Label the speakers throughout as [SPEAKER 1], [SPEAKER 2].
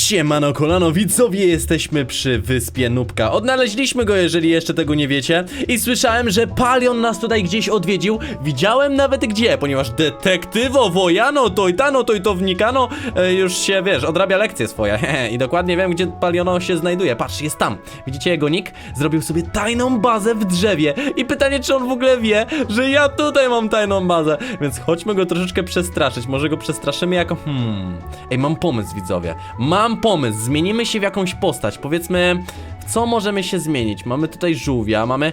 [SPEAKER 1] Siemano kolano, widzowie, jesteśmy przy wyspie Nubka. Odnaleźliśmy go, jeżeli jeszcze tego nie wiecie. I słyszałem, że Palion nas tutaj gdzieś odwiedził. Widziałem nawet gdzie, ponieważ detektywo Wojano, tojtano, tojtownikano już się, wiesz, odrabia lekcje swoje. I dokładnie wiem, gdzie Paliono się znajduje. Patrz, jest tam. Widzicie jego nick? Zrobił sobie tajną bazę w drzewie. I pytanie, czy on w ogóle wie, że ja tutaj mam tajną bazę. Więc chodźmy go troszeczkę przestraszyć. Może go przestraszymy jako... Ej, mam pomysł, widzowie. Mam pomysł, zmienimy się w jakąś postać. Powiedzmy, w co możemy się zmienić? Mamy tutaj żółwia, mamy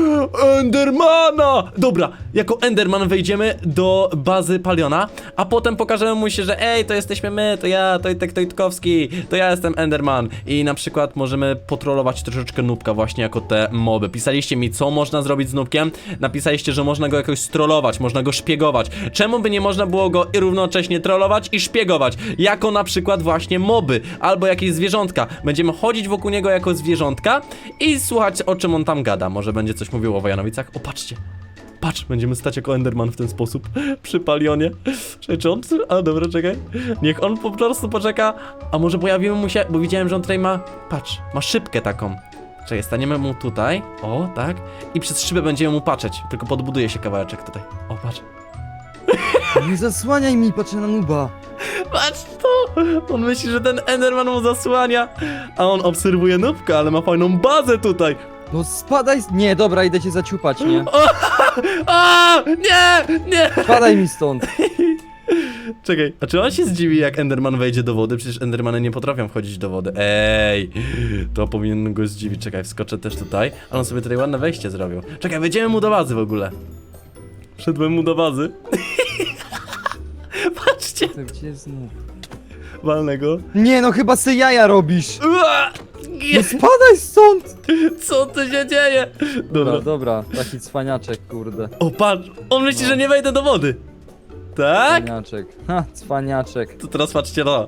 [SPEAKER 1] Endermana! Dobra, jako Enderman wejdziemy do bazy Paliona, a potem pokażemy mu się, że ej, to jesteśmy my, to ja, Tojtek Tojtkowski, to ja jestem Enderman. I na przykład możemy potrolować troszeczkę Nubka właśnie jako te moby. Pisaliście mi, co można zrobić z Nubkiem. Napisaliście, że można go jakoś strollować, można go szpiegować. Czemu by nie można było go i równocześnie trollować i szpiegować? Jako na przykład właśnie moby, albo jakieś zwierzątka. Będziemy chodzić wokół niego jako zwierzątka i słuchać, o czym on tam gada. Może będzie coś mówił o Wojanowicach? O, patrzcie. Patrz, będziemy stać jako Enderman w ten sposób przy Palionie. Czekaj, czy on... A, dobra, czekaj. Niech on po prostu poczeka. A może pojawimy mu się... Bo widziałem, że on tutaj ma... Patrz, ma szybkę taką. Czekaj, staniemy mu tutaj. O, tak. I przez szybę będziemy mu patrzeć. Tylko podbuduje się kawałeczek tutaj. O, patrz.
[SPEAKER 2] Nie zasłaniaj mi, patrzę na Nuba.
[SPEAKER 1] Patrz to! On myśli, że ten Enderman mu zasłania. A on obserwuje Nubka, ale ma fajną bazę tutaj.
[SPEAKER 2] No spadaj. Nie, dobra, idę cię zaciupać, nie?
[SPEAKER 1] A! Nie! Nie!
[SPEAKER 2] Spadaj mi stąd.
[SPEAKER 1] Czekaj, a czy on się zdziwi, jak Enderman wejdzie do wody? Przecież Endermany nie potrafią wchodzić do wody. Ej! To powinien go zdziwić. Czekaj, wskoczę też tutaj. Ale on sobie tutaj ładne wejście zrobił. Czekaj, wejdziemy mu do bazy w ogóle. Wszedłem mu do bazy. Patrzcie!
[SPEAKER 2] To gdzie jest Nub?
[SPEAKER 1] Walnę go.
[SPEAKER 2] Nie, no chyba se jaja robisz.
[SPEAKER 1] Ua!
[SPEAKER 2] No spadaj stąd.
[SPEAKER 1] Co tu się dzieje? Dobra.
[SPEAKER 2] Dobra, taki cwaniaczek, kurde.
[SPEAKER 1] O, patrz! On myśli, że nie wejdę do wody. Tak?
[SPEAKER 2] Cwaniaczek. Ha, cwaniaczek.
[SPEAKER 1] To teraz patrzcie na.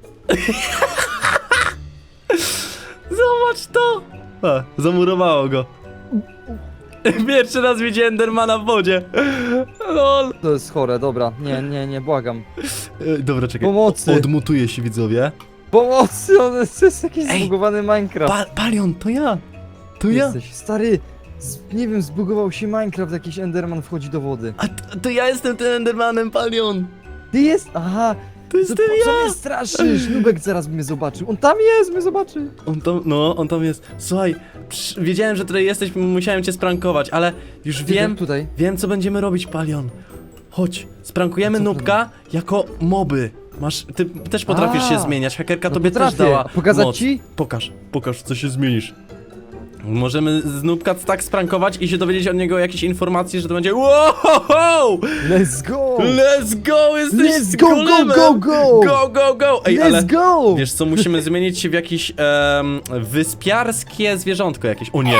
[SPEAKER 1] Zobacz to! A, zamurowało go. Pierwszy raz widziałem Endermana w wodzie. Lol.
[SPEAKER 2] To jest chore, dobra. Nie, błagam.
[SPEAKER 1] Dobra, czekaj.
[SPEAKER 2] Pomocy.
[SPEAKER 1] Odmutuję się, widzowie.
[SPEAKER 2] Pomocy, to jest jakiś
[SPEAKER 1] Ej,
[SPEAKER 2] zbugowany Minecraft.
[SPEAKER 1] Palion, to ja! To ja!
[SPEAKER 2] Jesteś stary. Nie wiem, zbugował się Minecraft, jakiś Enderman wchodzi do wody.
[SPEAKER 1] A to ja jestem tym Endermanem, Palion!
[SPEAKER 2] Ty jest? Aha.
[SPEAKER 1] To jestem
[SPEAKER 2] Co
[SPEAKER 1] ja!
[SPEAKER 2] mnie straszysz? Nubek zaraz mnie zobaczył. On tam jest, mnie zobaczy.
[SPEAKER 1] On tam jest. Słuchaj, wiedziałem, że tutaj jesteś, musiałem cię sprankować, ale już wiem,
[SPEAKER 2] Tutaj.
[SPEAKER 1] wiem co będziemy robić, Palion. Chodź, sprankujemy
[SPEAKER 2] Co
[SPEAKER 1] Nubka jako moby. Ty też potrafisz się zmieniać, hakerka tobie też
[SPEAKER 2] potrafię.
[SPEAKER 1] dała
[SPEAKER 2] Pokazać
[SPEAKER 1] moc.
[SPEAKER 2] ci?
[SPEAKER 1] Pokaż, co się zmienisz. Możemy z Nubka tak sprankować i się dowiedzieć od niego jakiejś informacji, że to będzie wow!
[SPEAKER 2] Let's go!
[SPEAKER 1] Let's go! Jesteś
[SPEAKER 2] Let's go,
[SPEAKER 1] golemem!
[SPEAKER 2] go, go, go!
[SPEAKER 1] Go! Ej, ale
[SPEAKER 2] Let's go!
[SPEAKER 1] wiesz co, musimy zmienić się w jakieś wyspiarskie zwierzątko jakieś. O nie!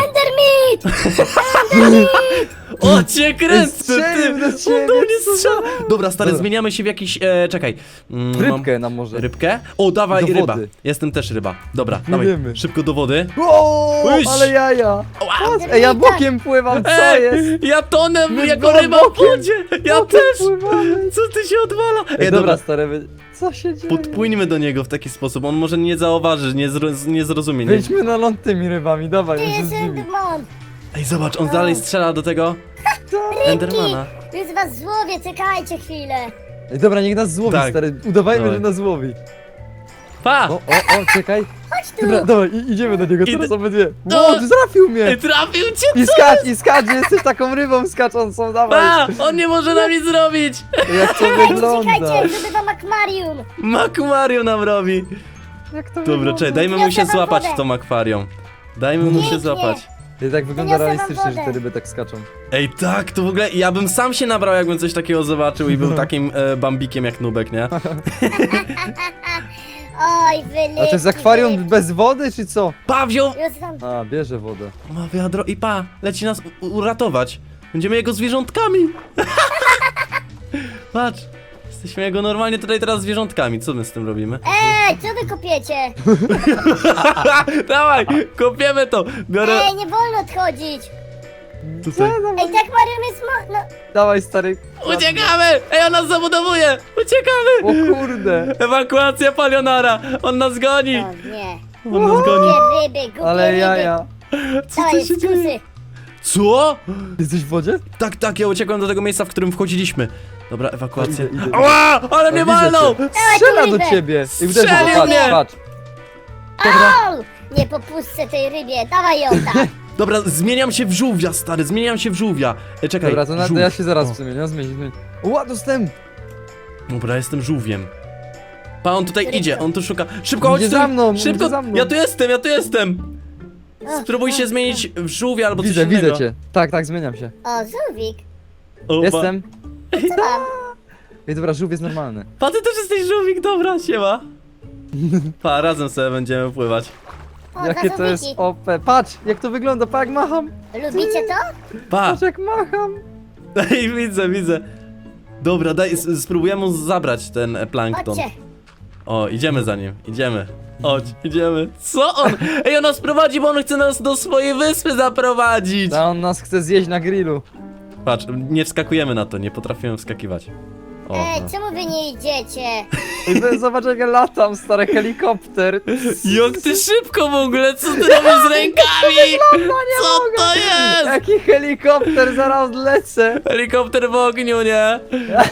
[SPEAKER 1] O cię kręcę,
[SPEAKER 2] Strzelił
[SPEAKER 1] ty!
[SPEAKER 2] do
[SPEAKER 1] On
[SPEAKER 2] ciebie,
[SPEAKER 1] do mnie
[SPEAKER 2] co za-
[SPEAKER 1] strzela! Dobra, stary,
[SPEAKER 2] Dobra.
[SPEAKER 1] zmieniamy się w jakiś, czekaj.
[SPEAKER 2] Rybkę nam może.
[SPEAKER 1] Rybkę? O, dawaj,
[SPEAKER 2] Do
[SPEAKER 1] ryba.
[SPEAKER 2] wody.
[SPEAKER 1] Jestem też ryba. Dobra,
[SPEAKER 2] Nie
[SPEAKER 1] dawaj,
[SPEAKER 2] wiemy.
[SPEAKER 1] szybko do wody.
[SPEAKER 2] O,
[SPEAKER 1] Uś!
[SPEAKER 2] ale jaja!
[SPEAKER 1] Wow.
[SPEAKER 2] Ej, ja bokiem pływam, co jest?
[SPEAKER 1] Ja tonę
[SPEAKER 2] My
[SPEAKER 1] jako ryba w
[SPEAKER 2] bokiem-
[SPEAKER 1] wodzie! Ja
[SPEAKER 2] bokiem
[SPEAKER 1] też!
[SPEAKER 2] pływamy.
[SPEAKER 1] Co ty się odwala?
[SPEAKER 2] Ej, dobra, stary, co się dzieje?
[SPEAKER 1] Podpłyńmy do niego w taki sposób, on może nie zauważy, nie zrozumie. Nie.
[SPEAKER 2] Wejdźmy na ląd tymi rybami, dawaj,
[SPEAKER 3] Tu
[SPEAKER 2] on się
[SPEAKER 3] jest
[SPEAKER 2] zdziwi.
[SPEAKER 3] Enderman!
[SPEAKER 1] Ej, zobacz, on dalej strzela do tego Endermana.
[SPEAKER 3] Tu jest was złowie, czekajcie chwilę!
[SPEAKER 2] Ej, dobra, niech nas złowi,
[SPEAKER 1] Tak.
[SPEAKER 2] stary, udawajmy,
[SPEAKER 1] Dawaj.
[SPEAKER 2] że nas złowi.
[SPEAKER 1] Pa!
[SPEAKER 2] O, czekaj.
[SPEAKER 3] Chodź tu!
[SPEAKER 2] Dobra, dawaj, idziemy do niego,
[SPEAKER 1] Idę.
[SPEAKER 2] teraz obydwie.
[SPEAKER 1] No.
[SPEAKER 2] Ło, trafił mnie!
[SPEAKER 1] Ej, trafił cię!
[SPEAKER 2] I skacz, jesteś taką rybą skaczącą, dawaj.
[SPEAKER 1] Pa! On nie może nam nic zrobić!
[SPEAKER 2] Jak to
[SPEAKER 3] Czekajcie,
[SPEAKER 2] wygląda?
[SPEAKER 3] czekajcie, zdobywam akwarium!
[SPEAKER 1] Makwarium nam robi!
[SPEAKER 2] Jak to
[SPEAKER 1] Dobra,
[SPEAKER 2] wygląda?
[SPEAKER 1] czekaj, dajmy mu się
[SPEAKER 3] Niosę wam
[SPEAKER 1] złapać
[SPEAKER 3] wodę.
[SPEAKER 1] w tą akwarium. Dajmy mu się
[SPEAKER 3] Pięknie.
[SPEAKER 1] złapać.
[SPEAKER 2] I tak wygląda
[SPEAKER 3] Wyniosę wam
[SPEAKER 2] realistycznie, że te
[SPEAKER 3] wodę.
[SPEAKER 2] ryby tak skaczą.
[SPEAKER 1] Ej, tak, to w ogóle ja bym sam się nabrał, jakbym coś takiego zobaczył i był takim bambikiem jak Nubek, nie?
[SPEAKER 3] Oj, wyleci,
[SPEAKER 2] A to jest akwarium bez wody, czy co?
[SPEAKER 1] Pa, wziął!
[SPEAKER 3] Już wam...
[SPEAKER 2] A, bierze wodę.
[SPEAKER 1] Ma wiadro i pa, leci nas uratować. Będziemy jego zwierzątkami. Patrz, jesteśmy jego normalnie tutaj teraz zwierzątkami. Co my z tym robimy?
[SPEAKER 3] Co wy kopiecie?
[SPEAKER 1] Dawaj, kopiemy to. Biorę...
[SPEAKER 3] Nie wolno odchodzić!
[SPEAKER 1] Tutaj.
[SPEAKER 3] Ej, tak Marion jest no...
[SPEAKER 2] Dawaj, stary.
[SPEAKER 1] Uciekamy! Ej, on nas zabudowuje! Uciekamy!
[SPEAKER 2] O kurde.
[SPEAKER 1] Ewakuacja palionara! On nas goni!
[SPEAKER 3] O nie.
[SPEAKER 1] On nas goni!
[SPEAKER 3] Głupie ryby, głupie
[SPEAKER 2] Ale
[SPEAKER 3] ryby.
[SPEAKER 2] jaja.
[SPEAKER 1] Co
[SPEAKER 3] Dawaj,
[SPEAKER 1] tu się dzieje?
[SPEAKER 3] skusy.
[SPEAKER 1] Co?
[SPEAKER 2] Jesteś w wodzie?
[SPEAKER 1] Tak, tak, ja uciekłem do tego miejsca, w którym wchodziliśmy. Dobra, ewakuacja.
[SPEAKER 2] Idę.
[SPEAKER 1] Ała! Ale mnie
[SPEAKER 2] Ja widzę
[SPEAKER 1] walnął!
[SPEAKER 2] cię. Strzela do
[SPEAKER 3] rybę.
[SPEAKER 2] ciebie. I uderzy
[SPEAKER 1] Strzelił
[SPEAKER 2] go,
[SPEAKER 1] mnie.
[SPEAKER 2] patrz.
[SPEAKER 3] Au! Nie popuszczę tej rybie, dawaj ją tam.
[SPEAKER 1] Dobra, zmieniam się w żółwia, stary, zmieniam się w żółwia. Czekaj,
[SPEAKER 2] Dobra, to
[SPEAKER 1] żółw.
[SPEAKER 2] ja się zaraz
[SPEAKER 1] O,
[SPEAKER 2] zmienię, zmienię. Ła, dostęp.
[SPEAKER 1] Dobra, jestem żółwiem. Pa, on tutaj
[SPEAKER 3] Który
[SPEAKER 1] idzie,
[SPEAKER 3] to?
[SPEAKER 1] on tu szuka. Szybko,
[SPEAKER 2] On
[SPEAKER 1] chodź
[SPEAKER 2] idzie
[SPEAKER 1] tu!
[SPEAKER 2] za mną, on
[SPEAKER 1] Szybko!
[SPEAKER 2] idzie za mną.
[SPEAKER 1] Ja tu jestem! Spróbuj się zmienić w żółwia albo
[SPEAKER 2] Widzę,
[SPEAKER 1] coś innego.
[SPEAKER 2] widzę cię. Tak, tak, zmieniam się.
[SPEAKER 3] O, żółwik.
[SPEAKER 1] O,
[SPEAKER 2] Jestem.
[SPEAKER 3] Co tam?
[SPEAKER 2] Ej, dobra, żółw jest normalny.
[SPEAKER 1] Pa, ty też jesteś żółwik, dobra, siema. Pa, razem sobie będziemy pływać.
[SPEAKER 3] O,
[SPEAKER 2] Jakie
[SPEAKER 3] dwa
[SPEAKER 2] to jest
[SPEAKER 3] żółwiki.
[SPEAKER 2] OP. Patrz, jak to wygląda, pa, jak macham.
[SPEAKER 3] Lubicie to?
[SPEAKER 1] Pa!
[SPEAKER 2] Patrz, jak macham.
[SPEAKER 1] Ej, widzę. Dobra, daj, spróbujemy mu zabrać ten plankton.
[SPEAKER 3] Chodźcie.
[SPEAKER 1] O, idziemy za nim, idziemy. Chodź, idziemy. Co on? Ej, on nas prowadzi, bo on chce nas do swojej wyspy zaprowadzić.
[SPEAKER 2] A on nas chce zjeść na grillu.
[SPEAKER 1] Patrz, nie wskakujemy na to, nie potrafimy wskakiwać. O,
[SPEAKER 3] Ej,
[SPEAKER 1] no.
[SPEAKER 3] czemu wy nie idziecie?
[SPEAKER 2] Ej, zobacz, jak ja latam, stary helikopter.
[SPEAKER 1] Jak ty szybko w ogóle, co ty robisz z rękami? Co to jest?
[SPEAKER 2] Jaki helikopter, zaraz lecę.
[SPEAKER 1] Helikopter w ogniu, nie?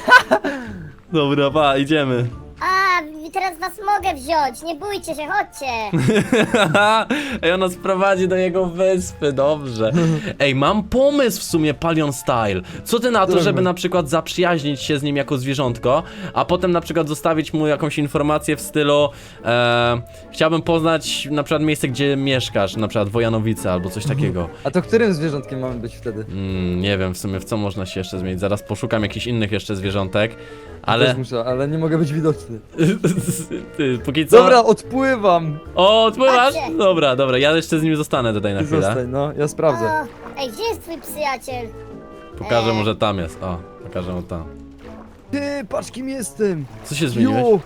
[SPEAKER 1] Dobra, pa, idziemy.
[SPEAKER 3] A, teraz was mogę wziąć, nie bójcie się, chodźcie.
[SPEAKER 1] Ej, on nas prowadzi do jego wyspy, dobrze. Ej, mam pomysł w sumie, Palion Style. Co ty na to,
[SPEAKER 2] Dobra.
[SPEAKER 1] żeby na przykład zaprzyjaźnić się z nim jako zwierzątko, a potem na przykład zostawić mu jakąś informację w stylu chciałbym poznać na przykład miejsce, gdzie mieszkasz, na przykład Wojanowice albo coś takiego.
[SPEAKER 2] A to którym zwierzątkiem mamy być wtedy?
[SPEAKER 1] Nie wiem w sumie w co można się jeszcze zmienić. Zaraz poszukam jakichś innych jeszcze zwierzątek, ale...
[SPEAKER 2] Też muszę, ale nie mogę być widoczny.
[SPEAKER 1] Ty, póki co...
[SPEAKER 2] Dobra, odpływam.
[SPEAKER 1] O, odpływasz?
[SPEAKER 3] Chodźcie.
[SPEAKER 1] Dobra, ja jeszcze z nim zostanę tutaj na chwilę.
[SPEAKER 2] Zostań, no, ja sprawdzę.
[SPEAKER 3] O, ej, gdzie jest twój przyjaciel?
[SPEAKER 1] Pokażę mu, że tam jest. O, pokażę mu tam.
[SPEAKER 2] Ty, patrz kim jestem.
[SPEAKER 1] Co się zmieniłeś?
[SPEAKER 2] Jo,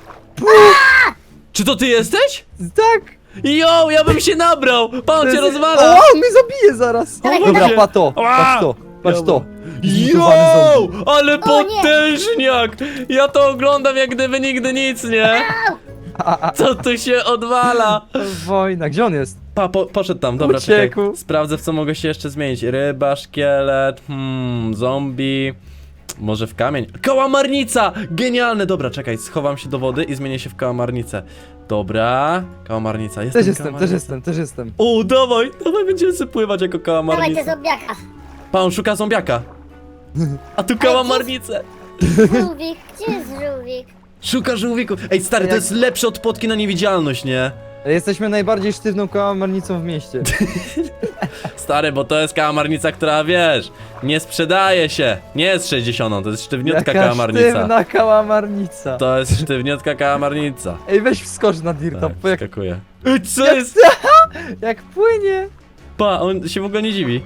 [SPEAKER 1] Czy to ty jesteś?
[SPEAKER 2] tak.
[SPEAKER 1] Jo, ja bym się nabrał! Pan cię
[SPEAKER 2] O,
[SPEAKER 1] rozwala!
[SPEAKER 2] on mnie zabije zaraz.
[SPEAKER 3] Dawaj,
[SPEAKER 2] Dobra,
[SPEAKER 3] dawaj.
[SPEAKER 2] patrz to,
[SPEAKER 1] Ała!
[SPEAKER 2] patrz to, patrz to.
[SPEAKER 1] Jo,
[SPEAKER 2] Zmutowany zombie.
[SPEAKER 1] ale
[SPEAKER 3] O, nie.
[SPEAKER 1] potężniak! Ja to oglądam jak gdyby nigdy nic, nie? Co tu się odwala?
[SPEAKER 2] Wojna, gdzie on jest?
[SPEAKER 1] Poszedł tam, dobra,
[SPEAKER 2] Uciekł.
[SPEAKER 1] czekaj. Sprawdzę w co mogę się jeszcze zmienić. Ryba, szkielet, zombie. Może w kamień. Kałamarnica! Genialne! Dobra, czekaj, schowam się do wody i zmienię się w kałamarnicę. Dobra, kałamarnica.
[SPEAKER 2] Też jestem,
[SPEAKER 1] kałamarnica.
[SPEAKER 2] też jestem, też jestem.
[SPEAKER 1] O, dawaj, będziemy sobie pływać jako
[SPEAKER 3] Dawaj
[SPEAKER 1] kałamarnica.
[SPEAKER 3] te zombiaka.
[SPEAKER 1] Pan szuka zombiaka. A tu kałamarnicę.
[SPEAKER 3] Żółwik, gdzie jest żółwik?
[SPEAKER 1] Szuka żółwiku. Ej, stary, to
[SPEAKER 2] Jak-
[SPEAKER 1] jest lepsze od potki na niewidzialność, nie?
[SPEAKER 2] Jesteśmy najbardziej sztywną kałamarnicą w mieście.
[SPEAKER 1] Stary, bo to jest kałamarnica, która, wiesz, nie sprzedaje się. Nie jest 60, to jest sztywniutka
[SPEAKER 2] Jaka
[SPEAKER 1] kałamarnica.
[SPEAKER 2] sztywna kałamarnica.
[SPEAKER 1] To jest sztywniutka kałamarnica.
[SPEAKER 2] Ej, weź wskocz na Dirta,
[SPEAKER 1] Tak,
[SPEAKER 2] bo jak,
[SPEAKER 1] skakuje. Ej, co
[SPEAKER 2] jak,
[SPEAKER 1] jest?
[SPEAKER 2] jak płynie.
[SPEAKER 1] Pa, on się w ogóle nie dziwi.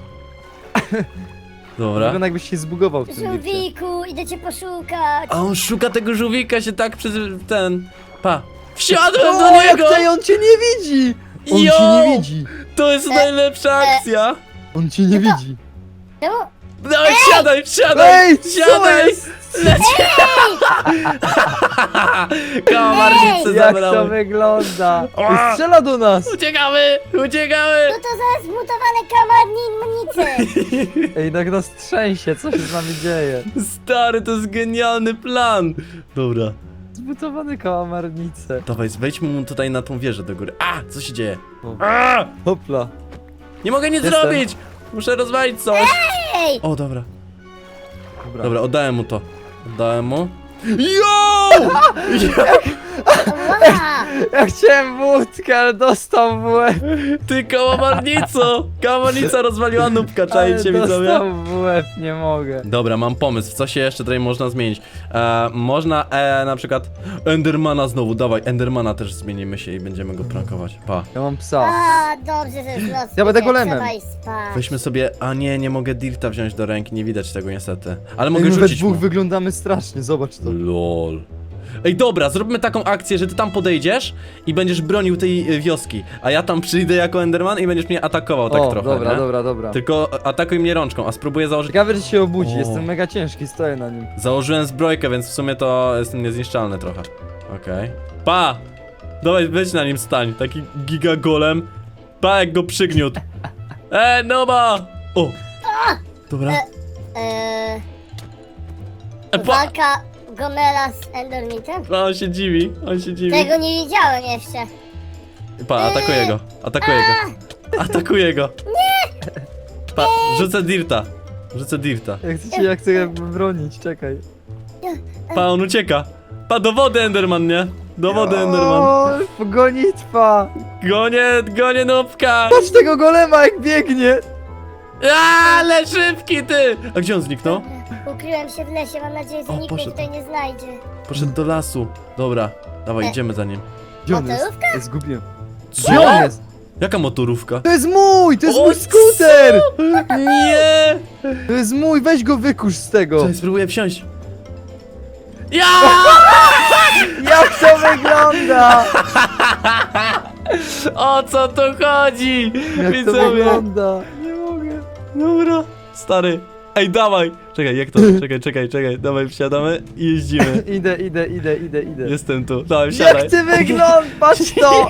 [SPEAKER 1] Dobra.
[SPEAKER 2] Wygląda jakbyś się zbugował w tym Dircie.
[SPEAKER 3] Żółwiku, idę cię poszukać.
[SPEAKER 1] A on szuka tego żółwika się tak przez ten... Pa. Wsiadłem
[SPEAKER 2] O,
[SPEAKER 1] do
[SPEAKER 2] jak
[SPEAKER 1] niego!
[SPEAKER 2] tej, on cię nie widzi! On
[SPEAKER 1] Yo!
[SPEAKER 2] cię nie widzi!
[SPEAKER 1] To jest najlepsza akcja!
[SPEAKER 2] On cię nie widzi!
[SPEAKER 3] Czemu?
[SPEAKER 1] Dawaj, wsiadaj!
[SPEAKER 2] Ej, co
[SPEAKER 1] Wsiadaj!
[SPEAKER 2] jest?
[SPEAKER 1] Kałamarnicę
[SPEAKER 2] Jak to
[SPEAKER 1] zabrałem.
[SPEAKER 2] wygląda?
[SPEAKER 1] Ła!
[SPEAKER 2] Strzela do nas!
[SPEAKER 1] Uciekamy! Uciekamy!
[SPEAKER 3] No to zaraz zmutowane kałamarnice.
[SPEAKER 2] Ej, tak nas trzęsie, co się z nami dzieje?
[SPEAKER 1] Stary, to jest genialny plan! Dobra.
[SPEAKER 2] Zbutowane kałamarnice.
[SPEAKER 1] Dawaj, wejdźmy mu tutaj na tą wieżę do góry. A! Co się dzieje?
[SPEAKER 2] O.
[SPEAKER 1] A!
[SPEAKER 2] Hopla.
[SPEAKER 1] Nie mogę nic
[SPEAKER 2] Jestem.
[SPEAKER 1] zrobić! Muszę rozwalić coś!
[SPEAKER 3] Ej,
[SPEAKER 1] O, dobra.
[SPEAKER 2] Dobra.
[SPEAKER 1] Dobra, oddałem mu to. Oddałem mu. Yo!
[SPEAKER 3] ła.
[SPEAKER 2] Ja chciałem wódkę, ale dostał w łeb.
[SPEAKER 1] Ty kałamarnico! Kałamarnica rozwaliła nóbka,
[SPEAKER 2] Ale
[SPEAKER 1] czajcie widzowie?
[SPEAKER 2] dostał w łeb, nie mogę.
[SPEAKER 1] Dobra, mam pomysł, w co się jeszcze tutaj można zmienić. Można na przykład Endermana znowu, dawaj, Endermana też zmienimy się i będziemy go prankować. Pa.
[SPEAKER 2] Ja mam psa.
[SPEAKER 3] A, dobrze, że jest noc.
[SPEAKER 2] Ja będę golemem.
[SPEAKER 3] Trzeba iść spać.
[SPEAKER 1] Weźmy sobie, a nie mogę Dirta wziąć do ręki, nie widać tego niestety. Ale mogę
[SPEAKER 2] Ej, my we
[SPEAKER 1] rzucić
[SPEAKER 2] dwóch
[SPEAKER 1] mu.
[SPEAKER 2] wyglądamy strasznie, zobacz to.
[SPEAKER 1] LOL. Ej, dobra, zróbmy taką akcję, że ty tam podejdziesz i będziesz bronił tej wioski, a ja tam przyjdę jako Enderman i będziesz mnie atakował tak
[SPEAKER 2] O,
[SPEAKER 1] trochę,
[SPEAKER 2] dobra,
[SPEAKER 1] nie?
[SPEAKER 2] dobra, dobra.
[SPEAKER 1] Tylko atakuj mnie rączką, a spróbuję założyć...
[SPEAKER 2] Ciekawe, czy się obudzi,
[SPEAKER 1] O.
[SPEAKER 2] jestem mega ciężki, stoję na nim.
[SPEAKER 1] Założyłem zbrojkę, więc w sumie to jestem niezniszczalny trochę. Okej. Pa! Dawaj, weź na nim stań, taki giga golem. Pa, jak go przygniótł. Noba! O! Dobra. Pa!
[SPEAKER 3] Walka Gomela z Endermitem?
[SPEAKER 1] On się dziwi, on się dziwi.
[SPEAKER 3] Tego nie widziałem jeszcze.
[SPEAKER 1] Pa, atakuję go, atakuję go. Atakuję go. Nie! Pa, rzucę dirta. Rzucę dirta.
[SPEAKER 2] Ja chcę bronić, czekaj.
[SPEAKER 1] Pa, on ucieka. Pa, do wody Enderman, nie? Do wody Enderman.
[SPEAKER 2] O, gonitwa!
[SPEAKER 1] Gonię nubka.
[SPEAKER 2] Patrz tego golema jak biegnie!
[SPEAKER 1] Ale szybki ty! A gdzie on zniknął?
[SPEAKER 3] Ukryłem się w lesie, mam nadzieję, że
[SPEAKER 1] O,
[SPEAKER 3] nikt mnie
[SPEAKER 1] poszedł.
[SPEAKER 3] tutaj nie znajdzie.
[SPEAKER 1] Poszedł do lasu. Dobra, dawaj, idziemy za nim.
[SPEAKER 2] Gdzie on jest?
[SPEAKER 3] Motorówka?
[SPEAKER 2] Ja zgubiłem.
[SPEAKER 1] Co?
[SPEAKER 2] Gdzie on jest?
[SPEAKER 1] Jaka motorówka?
[SPEAKER 2] To jest mój! To jest
[SPEAKER 1] O,
[SPEAKER 2] mój skuter!
[SPEAKER 1] Nie!
[SPEAKER 2] To jest mój, weź go wykurz z tego!
[SPEAKER 1] Cześć, spróbuję wsiąść. Ja!
[SPEAKER 2] Jak to wygląda?
[SPEAKER 1] O co tu chodzi?
[SPEAKER 2] Jak to
[SPEAKER 1] Widzowie.
[SPEAKER 2] wygląda? Nie mogę.
[SPEAKER 1] Dobra, stary. Ej, dawaj! Czekaj, jak to? Czekaj. Dawaj, wsiadamy i jeździmy.
[SPEAKER 2] Idę.
[SPEAKER 1] Jestem tu. Dawaj, wsiadaj.
[SPEAKER 2] Jak ty wyglądasz? Patrz to!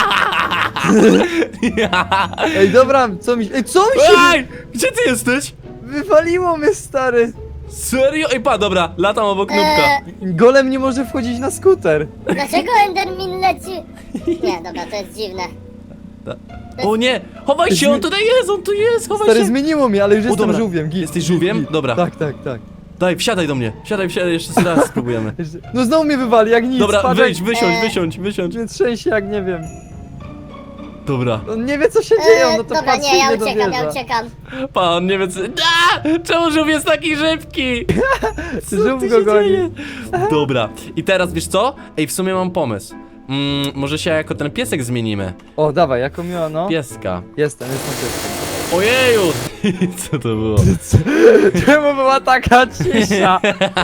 [SPEAKER 2] Ej, dobra, co mi się... Ej, co mi się...
[SPEAKER 1] Ej! Gdzie ty jesteś?
[SPEAKER 2] Wywaliło mnie, stary!
[SPEAKER 1] Serio? Ej, pa, dobra, latam obok nubka.
[SPEAKER 2] Golem nie może wchodzić na skuter.
[SPEAKER 3] Dlaczego Endermin leci? Nie, dobra, to jest dziwne.
[SPEAKER 1] O nie! Chowaj się, on tutaj jest, on tu jest, chowaj
[SPEAKER 2] Stary,
[SPEAKER 1] się!
[SPEAKER 2] zmieniło mnie, ale już jestem
[SPEAKER 1] dobra.
[SPEAKER 2] żółwiem. Git,
[SPEAKER 1] Jesteś
[SPEAKER 2] git,
[SPEAKER 1] żółwiem?
[SPEAKER 2] git.
[SPEAKER 1] Dobra.
[SPEAKER 2] Tak.
[SPEAKER 1] Daj, wsiadaj do mnie. Wsiadaj, jeszcze raz spróbujemy.
[SPEAKER 2] No znowu mnie wywali, jak nic.
[SPEAKER 1] Dobra,
[SPEAKER 2] patrz,
[SPEAKER 1] wyjdź,
[SPEAKER 2] jak
[SPEAKER 1] wysiądź.
[SPEAKER 2] mnie trzęsie, jak nie wiem.
[SPEAKER 1] Dobra.
[SPEAKER 2] On nie wie, co się dzieje, no to
[SPEAKER 3] Dobra,
[SPEAKER 2] patrzy
[SPEAKER 3] nie,
[SPEAKER 2] i
[SPEAKER 3] ja
[SPEAKER 2] nie
[SPEAKER 3] uciekam,
[SPEAKER 2] dowierza.
[SPEAKER 3] ja uciekam.
[SPEAKER 1] Pa, on nie wie co... Czemu żółw jest taki szybki? Co
[SPEAKER 2] Żółw
[SPEAKER 1] tu
[SPEAKER 2] go
[SPEAKER 1] się
[SPEAKER 2] goni.
[SPEAKER 1] dzieje? Dobra, i teraz wiesz co? Ej, w sumie mam pomysł. Może się jako ten piesek zmienimy.
[SPEAKER 2] O, dawaj, jako miło, no.
[SPEAKER 1] Pieska.
[SPEAKER 2] Jestem pieskiem.
[SPEAKER 1] Ojeju! Co to było?
[SPEAKER 2] Czemu była taka cisza?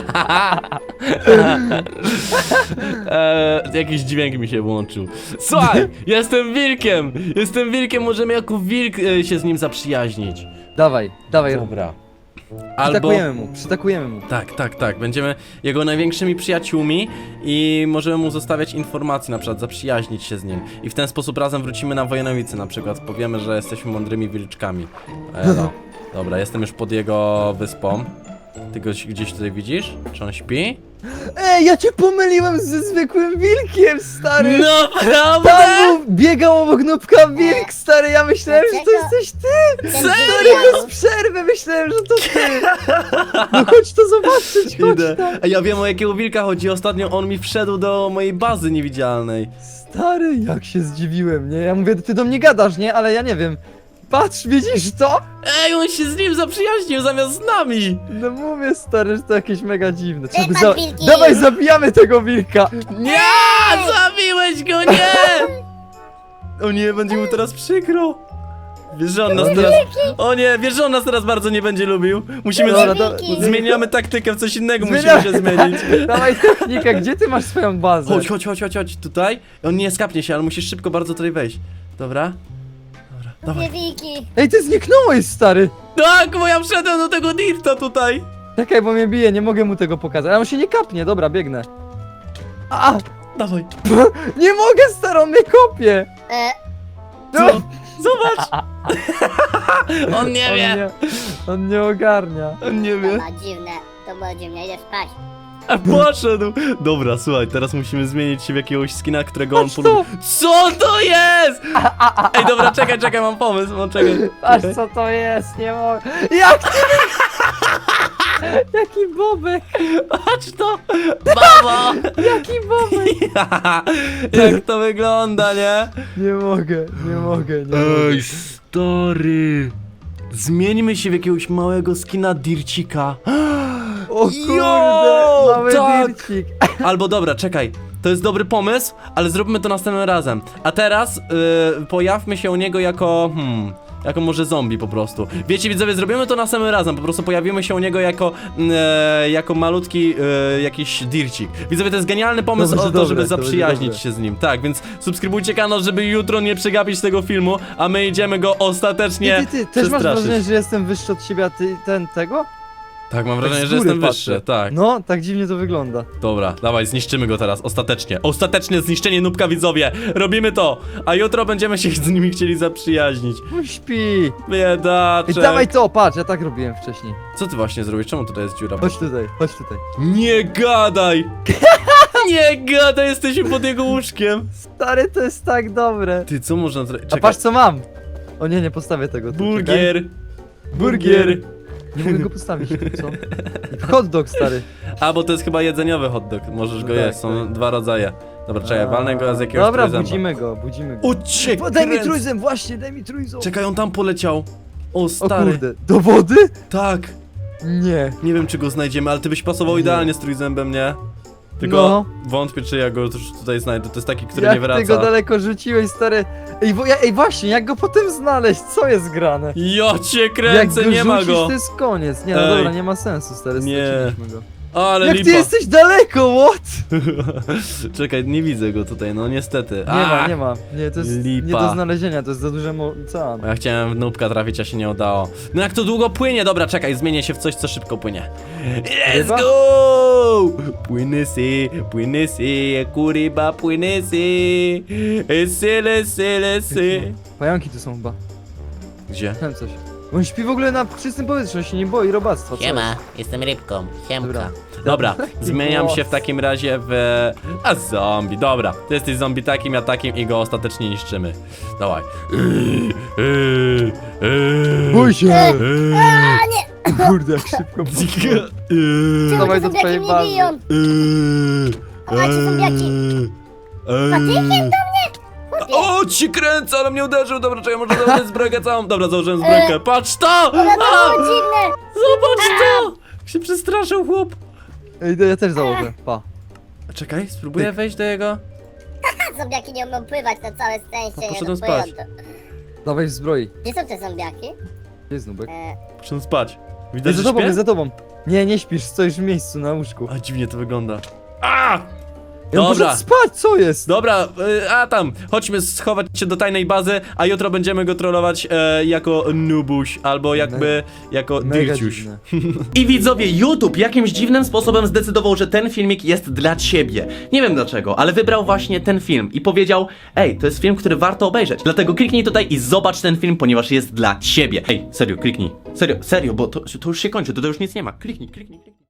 [SPEAKER 1] Jakiś dźwięk mi się włączył. Słuchaj, jestem wilkiem, możemy jako wilk się z nim zaprzyjaźnić.
[SPEAKER 2] Dawaj.
[SPEAKER 1] Dobra. Albo...
[SPEAKER 2] Przytakujemy mu.
[SPEAKER 1] Tak, będziemy jego największymi przyjaciółmi i możemy mu zostawiać informacje, na przykład zaprzyjaźnić się z nim. I w ten sposób razem wrócimy na Wojenowice, na przykład powiemy, że jesteśmy mądrymi wilczkami. No. Dobra, jestem już pod jego wyspą. Ty go gdzieś tutaj widzisz? Czy on śpi?
[SPEAKER 2] Ej, ja cię pomyliłem ze zwykłym wilkiem, stary!
[SPEAKER 1] No,
[SPEAKER 2] Tam
[SPEAKER 1] prawda?
[SPEAKER 2] biegał obok nóbka wilk, stary, ja myślałem, że to
[SPEAKER 3] Dlaczego?
[SPEAKER 2] jesteś ty!
[SPEAKER 3] Ten
[SPEAKER 2] Stary,
[SPEAKER 3] wilk-
[SPEAKER 2] bez przerwy myślałem, że to ty! No chodź to zobaczyć, chodź
[SPEAKER 1] Idę.
[SPEAKER 2] tam!
[SPEAKER 1] A ja wiem, o jakiego wilka chodzi. Ostatnio on mi wszedł do mojej bazy niewidzialnej.
[SPEAKER 2] Stary, jak się zdziwiłem, nie? Ja mówię, ty do mnie gadasz, nie? Ale ja nie wiem. Patrz, widzisz to?
[SPEAKER 1] Ej, on się z nim zaprzyjaźnił zamiast z nami.
[SPEAKER 2] No mówię, stary, że to jakieś mega dziwne. Trzeba
[SPEAKER 3] Wypadł
[SPEAKER 2] go
[SPEAKER 3] wilki!
[SPEAKER 2] Dawaj, zabijamy tego wilka!
[SPEAKER 1] Nie! Zabiłeś go, nie! O nie, będzie mu teraz przykro. Wiesz, że on nas teraz... O nie, wiesz, że on nas teraz bardzo nie będzie lubił. Musimy...
[SPEAKER 2] Dobra,
[SPEAKER 1] Zmieniamy taktykę w coś innego,
[SPEAKER 2] Zmieniamy.
[SPEAKER 1] musimy się zmienić.
[SPEAKER 2] Dawaj technikę, gdzie ty masz swoją bazę?
[SPEAKER 1] Chodź, tutaj. On nie skapnie się, ale musisz szybko bardzo tutaj wejść. Dobra? Dawaj.
[SPEAKER 3] Dwie wilki.
[SPEAKER 2] Ej, ty zniknąłeś, stary!
[SPEAKER 1] Tak, bo ja wszedłem do tego dirta tutaj.
[SPEAKER 2] Czekaj, bo mnie bije, nie mogę mu tego pokazać. Ale on się nie kapnie, dobra, biegnę. A!
[SPEAKER 1] Dawaj.
[SPEAKER 2] Nie mogę, stary, on mnie kopie!
[SPEAKER 1] Co? Zobacz. On nie wie.
[SPEAKER 2] On nie ogarnia.
[SPEAKER 1] On nie wie.
[SPEAKER 3] Dobra, dziwne. To było dziwne, idę spać.
[SPEAKER 1] A poszedł! Dobra, słuchaj, teraz musimy zmienić się w jakiegoś skina, którego on
[SPEAKER 2] Patrz to!
[SPEAKER 1] polubi. Co to jest?! Ej, dobra, czekaj, mam pomysł, czekaj.
[SPEAKER 2] Patrz co to jest, nie mogę. Jak ty? Jaki bobek!
[SPEAKER 1] Patrz to! Babo!
[SPEAKER 2] Jaki bobek!
[SPEAKER 1] Jak to wygląda, nie?
[SPEAKER 2] Nie mogę.
[SPEAKER 1] Ej, stary! Zmieńmy się w jakiegoś małego skina dircika.
[SPEAKER 2] O kurde,
[SPEAKER 1] Jo,
[SPEAKER 2] mały
[SPEAKER 1] tak.
[SPEAKER 2] dircik.
[SPEAKER 1] Albo dobra, czekaj. To jest dobry pomysł, ale zróbmy to następnym razem. A teraz pojawmy się u niego jako... Jako może zombie po prostu. Wiecie widzowie, zrobimy to następnym razem, po prostu pojawimy się u niego jako malutki jakiś dircik. Widzowie, to jest genialny pomysł
[SPEAKER 2] To będzie
[SPEAKER 1] o to, żeby
[SPEAKER 2] dobre, to
[SPEAKER 1] zaprzyjaźnić
[SPEAKER 2] będzie
[SPEAKER 1] się z nim. Tak, więc subskrybujcie kanał, żeby jutro nie przegapić tego filmu, a my idziemy go ostatecznie
[SPEAKER 2] Ty też masz
[SPEAKER 1] przestraszyć.
[SPEAKER 2] wrażenie, że jestem wyższy od ciebie, a ty tego?
[SPEAKER 1] Tak, mam wrażenie,
[SPEAKER 2] z
[SPEAKER 1] że
[SPEAKER 2] góry
[SPEAKER 1] jestem
[SPEAKER 2] patrzę.
[SPEAKER 1] wyższy, tak.
[SPEAKER 2] No, tak dziwnie to wygląda.
[SPEAKER 1] Dobra, dawaj, zniszczymy go teraz, ostatecznie. Ostateczne zniszczenie Nubka, widzowie. Robimy to, a jutro będziemy się z nimi chcieli zaprzyjaźnić.
[SPEAKER 2] No śpi.
[SPEAKER 1] Biedaczek.
[SPEAKER 2] Ej, dawaj to, patrz, ja tak robiłem wcześniej.
[SPEAKER 1] Co ty właśnie zrobisz? Czemu tutaj jest dziura?
[SPEAKER 2] Chodź tutaj, chodź tutaj.
[SPEAKER 1] Nie gadaj! Nie gadaj, jesteśmy pod jego łóżkiem.
[SPEAKER 2] Stary, to jest tak dobre.
[SPEAKER 1] Ty, co można zrobić?
[SPEAKER 2] A
[SPEAKER 1] Czekaj.
[SPEAKER 2] patrz co mam. O nie, nie postawię tego. tu,
[SPEAKER 1] Burgier.
[SPEAKER 2] czekaj.
[SPEAKER 1] Burgier.
[SPEAKER 2] Nie mogę go postawić, co? Hot dog, stary.
[SPEAKER 1] A, bo to jest chyba jedzeniowy hot dog. Możesz go
[SPEAKER 2] Tak,
[SPEAKER 1] jeść, są
[SPEAKER 2] tak.
[SPEAKER 1] dwa rodzaje. Dobra, czekaj, walnę go z jakiegoś
[SPEAKER 2] Dobra,
[SPEAKER 1] trójzęba.
[SPEAKER 2] budzimy go.
[SPEAKER 1] Uciek!
[SPEAKER 2] Daj mi trójzęb, właśnie, daj mi trójzęb.
[SPEAKER 1] Czekaj, on tam poleciał. O,
[SPEAKER 2] O
[SPEAKER 1] stary.
[SPEAKER 2] kurde, do wody?
[SPEAKER 1] Tak.
[SPEAKER 2] Nie.
[SPEAKER 1] Nie wiem, czy go znajdziemy, ale ty byś pasował
[SPEAKER 2] Nie.
[SPEAKER 1] idealnie z trójzębem, nie? Tylko
[SPEAKER 2] No.
[SPEAKER 1] wątpię, czy ja go już tutaj znajdę. To jest taki, który
[SPEAKER 2] Jak
[SPEAKER 1] nie wraca.
[SPEAKER 2] ty go daleko rzuciłeś, stary? Ej, właśnie, jak go potem znaleźć? Co jest grane?
[SPEAKER 1] Ja cię
[SPEAKER 2] Jak
[SPEAKER 1] kręcę,
[SPEAKER 2] go
[SPEAKER 1] nie ma
[SPEAKER 2] rzucisz,
[SPEAKER 1] go.
[SPEAKER 2] to jest koniec. Nie, no
[SPEAKER 1] Ej.
[SPEAKER 2] dobra, nie ma sensu, stary,
[SPEAKER 1] Nie.
[SPEAKER 2] straciliśmy go.
[SPEAKER 1] Ale
[SPEAKER 2] Jak
[SPEAKER 1] lipa.
[SPEAKER 2] ty jesteś daleko, what?
[SPEAKER 1] Czekaj, nie widzę go tutaj, no niestety.
[SPEAKER 2] Nie ma. Nie, to jest
[SPEAKER 1] Lipa.
[SPEAKER 2] nie do znalezienia, to jest za duży ocean.
[SPEAKER 1] Ja chciałem w Nubka trafić, a się nie udało. No jak to długo płynie? Dobra, czekaj, zmienię się w coś, co szybko płynie. Let's
[SPEAKER 2] Ryba?
[SPEAKER 1] go! Płyny si, kuriba, płyny si. Lecę.
[SPEAKER 2] Pająki tu są chyba.
[SPEAKER 1] Gdzie?
[SPEAKER 2] Wiem coś. On śpi w ogóle na czystym powietrzu, on się nie boi robactwa. co
[SPEAKER 4] Siema, jestem rybką. Siemka.
[SPEAKER 2] Dobra.
[SPEAKER 1] Dobra, zmieniam
[SPEAKER 2] głos.
[SPEAKER 1] się w takim razie w... A zombie, dobra. Ty jesteś zombie takim, ja takim i go ostatecznie niszczymy. Dawaj.
[SPEAKER 2] Bój się!
[SPEAKER 3] A nie!
[SPEAKER 2] Kurde, jak szybko.
[SPEAKER 3] Czemu
[SPEAKER 2] Dawaj
[SPEAKER 3] te
[SPEAKER 2] do twojej
[SPEAKER 3] zombiaki mnie
[SPEAKER 2] bazy.
[SPEAKER 3] biją? Macie zombiaki? Patykiem do mnie? Chłopie.
[SPEAKER 1] O, ci kręcę, ale mnie uderzył. Dobra, czekaj, może założę zbrojkę całą. Dobra, założyłem zbrojkę. Patrz to!
[SPEAKER 3] One to
[SPEAKER 1] A,
[SPEAKER 3] było dziwne!
[SPEAKER 1] zobacz to! Jak się przestraszył chłop.
[SPEAKER 2] Ej, ja też założę, pa.
[SPEAKER 1] Czekaj, spróbuję wejść do jego...
[SPEAKER 3] Zombiaki nie umieją pływać na całe szczęście, nie
[SPEAKER 1] poszedłem
[SPEAKER 3] dopłyją
[SPEAKER 1] spać.
[SPEAKER 3] to.
[SPEAKER 2] Dawaj w zbroi.
[SPEAKER 3] Gdzie są te zombiaki?
[SPEAKER 2] Gdzie jest nubek?
[SPEAKER 1] Muszę spać.
[SPEAKER 2] Ej,
[SPEAKER 1] Widać,
[SPEAKER 2] za
[SPEAKER 1] że
[SPEAKER 2] tobą,
[SPEAKER 1] śpię?
[SPEAKER 2] jest za tobą. Nie, nie śpisz, stoisz w miejscu na łóżku.
[SPEAKER 1] A, dziwnie to wygląda. A!
[SPEAKER 2] Ja
[SPEAKER 1] Dobra.
[SPEAKER 2] muszę spać, co jest?
[SPEAKER 1] Dobra, a tam, chodźmy schować się do tajnej bazy, a jutro będziemy go trollować jako nubuś, albo jakby jako
[SPEAKER 2] Mega
[SPEAKER 1] dirciuś.
[SPEAKER 2] dziwne.
[SPEAKER 5] I widzowie, YouTube jakimś dziwnym sposobem zdecydował, że ten filmik jest dla ciebie. Nie wiem dlaczego, ale wybrał właśnie ten film i powiedział: ej, to jest film, który warto obejrzeć. Dlatego kliknij tutaj i zobacz ten film, ponieważ jest dla ciebie. Ej, serio, kliknij. Serio, bo to już się kończy, to już nic nie ma. Kliknij.